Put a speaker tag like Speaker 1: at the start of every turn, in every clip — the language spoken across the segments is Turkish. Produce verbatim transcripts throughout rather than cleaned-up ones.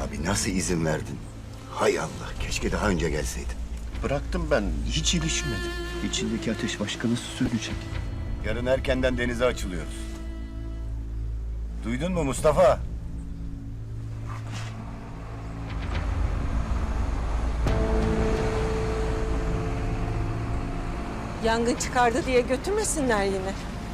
Speaker 1: Abi nasıl izin verdin? Hay Allah, keşke daha önce gelseydin.
Speaker 2: Bıraktım ben, hiç ilişmedim. İçindeki ateş başka nasıl sönecek?
Speaker 1: Yarın erkenden denize açılıyoruz. Duydun mu Mustafa?
Speaker 3: Yangın çıkardı diye götürmesinler yine.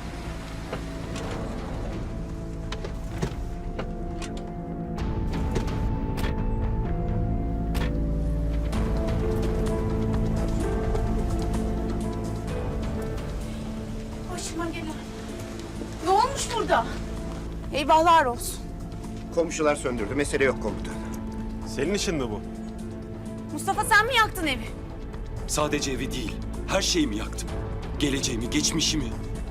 Speaker 4: Başıma gelen. Ne olmuş burada? Eyvahlar olsun.
Speaker 2: Komşular söndürdü, mesele yok komutan.
Speaker 5: Senin işin mi bu?
Speaker 4: Mustafa sen mi yaktın evi?
Speaker 6: Sadece evi değil, her şeyimi yaktım. Geleceğimi, geçmişimi.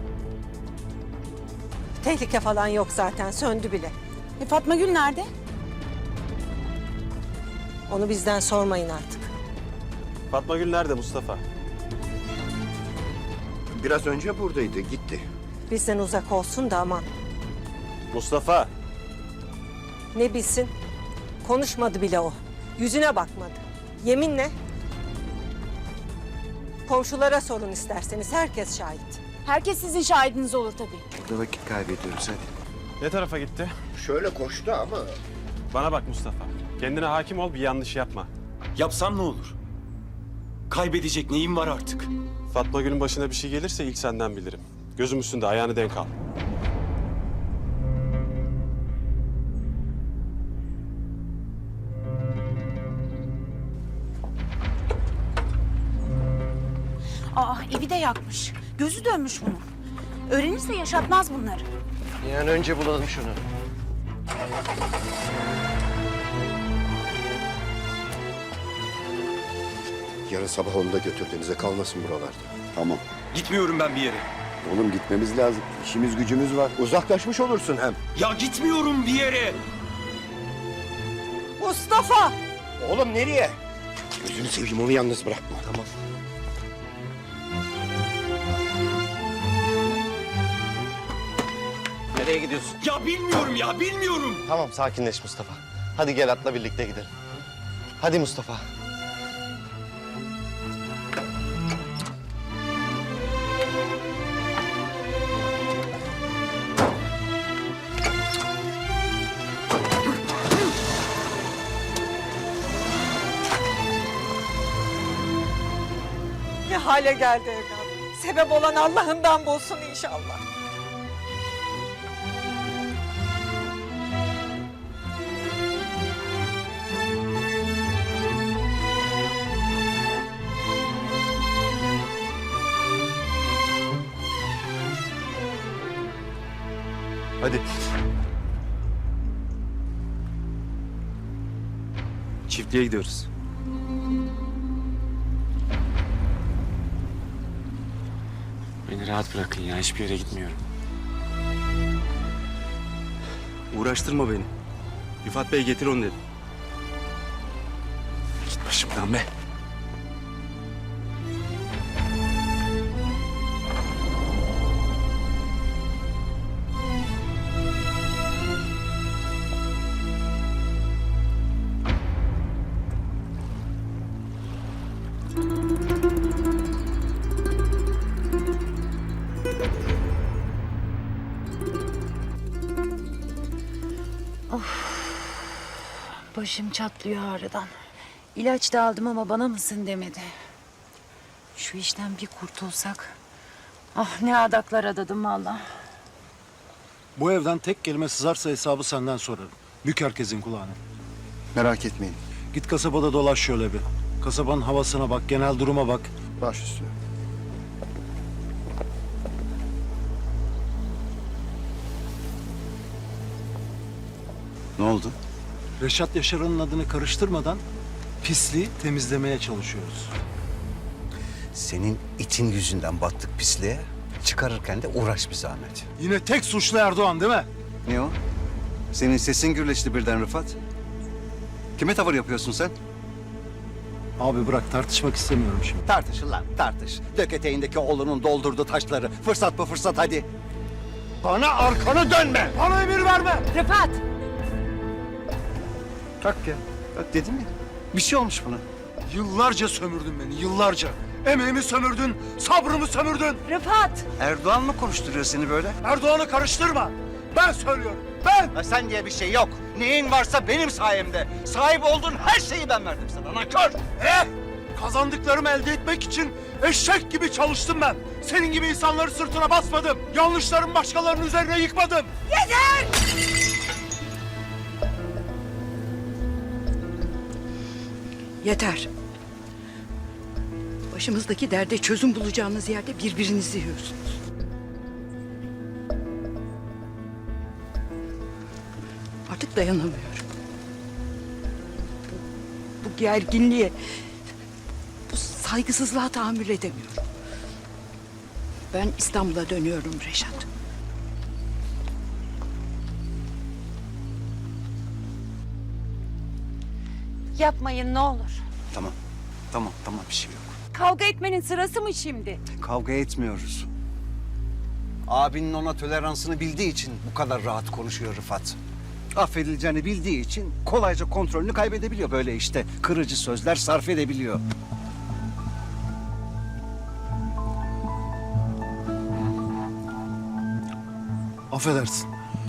Speaker 3: Tehlike falan yok zaten, söndü bile.
Speaker 4: E Fatma Gül nerede?
Speaker 3: Onu bizden sormayın artık.
Speaker 5: Fatma Gül nerede Mustafa?
Speaker 2: Biraz önce buradaydı, gitti.
Speaker 3: Bizden uzak olsun da aman.
Speaker 5: Mustafa!
Speaker 3: Ne bilsin? Konuşmadı bile o. Yüzüne bakmadı. Yeminle. Komşulara sorun isterseniz, herkes şahit.
Speaker 4: Herkes sizin şahidiniz olur tabii.
Speaker 2: Burada vakit kaybediyoruz hadi.
Speaker 5: Ne tarafa gitti?
Speaker 2: Şöyle koştu ama...
Speaker 5: Bana bak Mustafa. Kendine hakim ol, bir yanlış yapma.
Speaker 6: Yapsam ne olur? Kaybedecek neyim var artık?
Speaker 5: Fatma Gül'ün başına bir şey gelirse ilk senden bilirim. Gözüm üstünde, ayağını denk al.
Speaker 4: Aa evi de yakmış. Gözü dönmüş bunun. Öğrenirse yaşatmaz bunları.
Speaker 2: Yani önce bulalım şunu. Yarın sabah onu da götür denize, kalmasın buralarda. Tamam.
Speaker 6: Gitmiyorum ben bir yere.
Speaker 2: Oğlum gitmemiz lazım. İşimiz gücümüz var. Uzaklaşmış olursun hem.
Speaker 6: Ya gitmiyorum bir yere.
Speaker 3: Mustafa!
Speaker 2: Oğlum nereye? Gözünü seveyim, onu yalnız bırakma. Tamam.
Speaker 7: Nereye gidiyorsun?
Speaker 6: Ya bilmiyorum ya, bilmiyorum.
Speaker 7: Tamam sakinleş Mustafa. Hadi gel atla birlikte gidelim. Hadi Mustafa.
Speaker 3: Ne hale geldi evladım. Sebep olan Allah'ından bulsun inşallah.
Speaker 7: Hadi.
Speaker 6: Çiftliğe gidiyoruz.
Speaker 8: Beni rahat bırakın ya, hiçbir yere gitmiyorum.
Speaker 6: Uğraştırma beni. Rifat Bey getir onu dedi.
Speaker 8: Git başımdan be.
Speaker 4: Başım çatlıyor ağrıdan. İlaç da aldım ama bana mısın demedi. Şu işten bir kurtulsak. Ah ne adaklar adadım vallahi.
Speaker 9: Bu evden tek kelime sızarsa hesabı senden sorarım. Bük herkesin kulağını.
Speaker 2: Merak etmeyin.
Speaker 9: Git kasabada dolaş şöyle bir. Kasabanın havasına bak, genel duruma bak.
Speaker 2: Baş üstüne.
Speaker 6: Ne oldu?
Speaker 9: Reşat Yaşar'ın adını karıştırmadan pisliği temizlemeye çalışıyoruz.
Speaker 1: Senin itin yüzünden battık pisliğe. Çıkarırken de uğraş bir zahmet.
Speaker 9: Yine tek suçlu Erdoğan değil mi?
Speaker 6: Ne o? Senin sesin gürleşti birden Rıfat. Kime tavır yapıyorsun sen?
Speaker 9: Abi bırak, tartışmak istemiyorum şimdi.
Speaker 1: Tartışın lan, tartış. Dök eteğindeki oğlunun doldurduğu taşları. Fırsat bu fırsat, hadi.
Speaker 2: Bana arkanı dönme.
Speaker 9: Bana emir verme!
Speaker 4: Rıfat!
Speaker 1: Bak ya. Bak dedim ya. Bir şey olmuş buna.
Speaker 9: Yıllarca sömürdün beni, yıllarca. Emeğimi sömürdün, sabrımı sömürdün.
Speaker 3: Rıfat!
Speaker 1: Erdoğan mı konuşturuyor seni böyle?
Speaker 9: Erdoğan'ı karıştırma. Ben söylüyorum, ben!
Speaker 1: Ha, sen diye bir şey yok. Neyin varsa benim sayemde. Sahip olduğun her şeyi ben verdim sana. Nankör!
Speaker 9: Eh! Kazandıklarımı elde etmek için eşek gibi çalıştım ben. Senin gibi insanları sırtına basmadım. Yanlışlarımı başkalarının üzerine yıkmadım.
Speaker 10: Yeter. Başımızdaki derde çözüm bulacağınız yerde birbirinizi yiyorsunuz. Artık dayanamıyorum. Bu, bu gerginliğe, bu saygısızlığa tahammül edemiyorum. Ben İstanbul'a dönüyorum Reşat.
Speaker 4: Yapmayın ne olur.
Speaker 1: Tamam. Tamam, tamam bir şey yok.
Speaker 4: Kavga etmenin sırası mı şimdi?
Speaker 1: Kavga etmiyoruz. Abinin ona toleransını bildiği için bu kadar rahat konuşuyor Rıfat. Affedileceğini bildiği için kolayca kontrolünü kaybedebiliyor böyle işte. Kırıcı sözler sarf edebiliyor.
Speaker 9: Affedersin.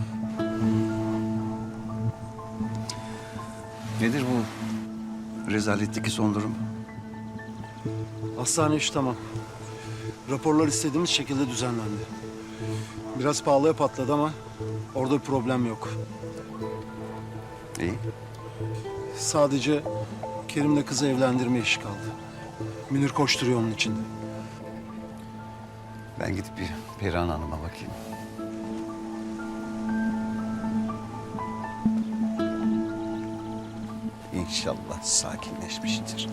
Speaker 1: Nedir bu rezaletteki son durum?
Speaker 9: Hastane iş tamam. Raporlar istediğimiz şekilde düzenlendi. Biraz pahalıya patladı ama orada bir problem yok.
Speaker 1: İyi.
Speaker 9: Sadece Kerim'le kızı evlendirme işi kaldı. Münir koşturuyor onun içinde.
Speaker 1: Ben gidip bir Perihan Hanım'a bakayım. İnşallah sakinleşmiştir.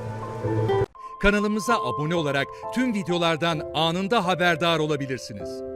Speaker 11: Kanalımıza abone olarak tüm videolardan anında haberdar olabilirsiniz.